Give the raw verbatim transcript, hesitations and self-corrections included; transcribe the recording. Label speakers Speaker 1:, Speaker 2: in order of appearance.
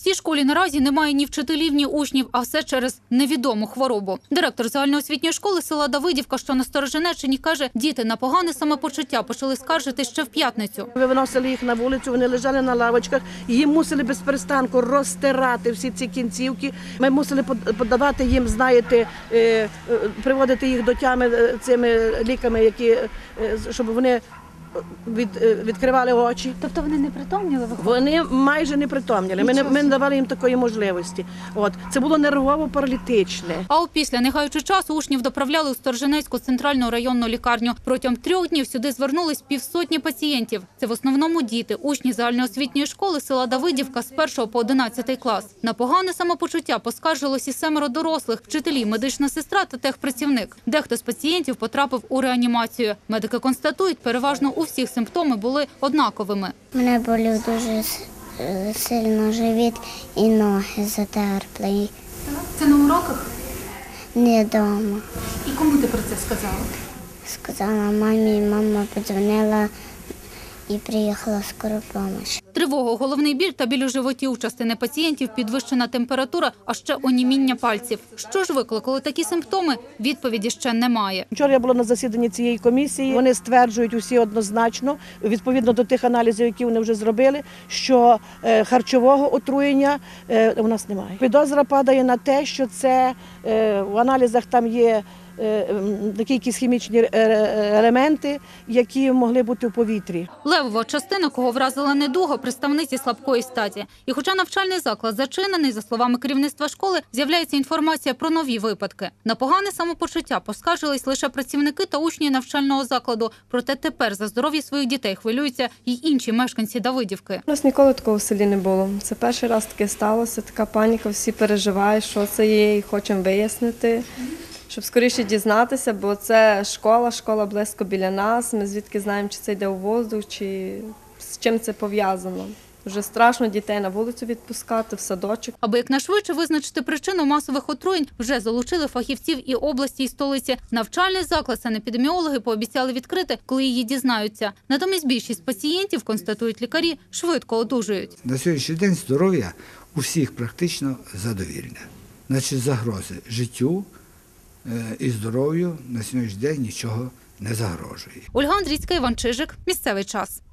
Speaker 1: В цій школі наразі немає ні вчителів, ні учнів, а все через невідому хворобу. Директор загальноосвітньої школи села Давидівка, що на Сторожинеччині, каже, діти на погане самопочуття почали скаржити ще в п'ятницю.
Speaker 2: Ми виносили їх на вулицю, вони лежали на лавочках, і їм мусили без перестанку розтирати всі ці кінцівки. Ми мусили подавати їм, знаєте, приводити їх до тями цими ліками, які, щоб вони Від, відкривали очі.
Speaker 1: Тобто вони не притомніли?
Speaker 2: Вони майже не притомніли. Ми не, ми не давали їм такої можливості. От. Це було нервово-паралітичне.
Speaker 1: А опісля, не гаючи часу, учнів доправляли у Сторожинецьку центральну районну лікарню. Протягом трьох днів сюди звернулись півсотні пацієнтів. Це в основному діти, учні загальноосвітньої школи села Давидівка з першого по одинадцятий клас. На погане самопочуття поскаржилось і семеро дорослих, вчителі, медична сестра та техпрацівник. Дехто з пацієнтів потрапив у реанімацію. Медики констатують, переважно у всіх симптоми були однаковими.
Speaker 3: Мене болів дуже сильно живіт і ноги затерпли.
Speaker 1: Це на уроках?
Speaker 3: Не вдома.
Speaker 1: І кому ти про це сказала?
Speaker 3: Сказала мамі, мама подзвонила і приїхала скора допомога.
Speaker 1: Тривога, головний біль та біль у животі у частини пацієнтів, підвищена температура, а ще оніміння пальців. Що ж викликало такі симптоми? Відповіді ще немає.
Speaker 2: Вчора я була на засіданні цієї комісії. Вони стверджують усі однозначно, відповідно до тих аналізів, які вони вже зробили, що харчового отруєння у нас немає. Підозра падає на те, що це в аналізах там є такі якісь хімічні елементи, які могли бути в повітрі.
Speaker 1: Левова частина, кого вразила недуга, представниці слабкої статі. І хоча навчальний заклад зачинений, за словами керівництва школи, з'являється інформація про нові випадки. На погане самопочуття поскаржились лише працівники та учні навчального закладу. Проте тепер за здоров'я своїх дітей хвилюються й інші мешканці Давидівки.
Speaker 4: У нас ніколи такого в селі не було. Це перший раз таке сталося, така паніка, всі переживають, що це є, і хочемо вияснити. Щоб скоріше дізнатися, бо це школа, школа близько біля нас, ми звідки знаємо, чи це йде у воздух, чи з чим це пов'язано. Вже страшно дітей на вулицю відпускати, в садочок.
Speaker 1: Аби якнайшвидше визначити причину масових отруєнь, вже залучили фахівців і області, і столиці. Навчальний заклад санепідеміологи пообіцяли відкрити, коли її дізнаються. Натомість більшість пацієнтів, констатують лікарі, швидко одужують.
Speaker 5: На сьогоднішній день здоров'я у всіх практично задовільне. Значить, загрози життю і здоров'ю на сьогоднішній день нічого не загрожує.
Speaker 1: Ольга Андрійська, Іван Чижик. Місцевий час.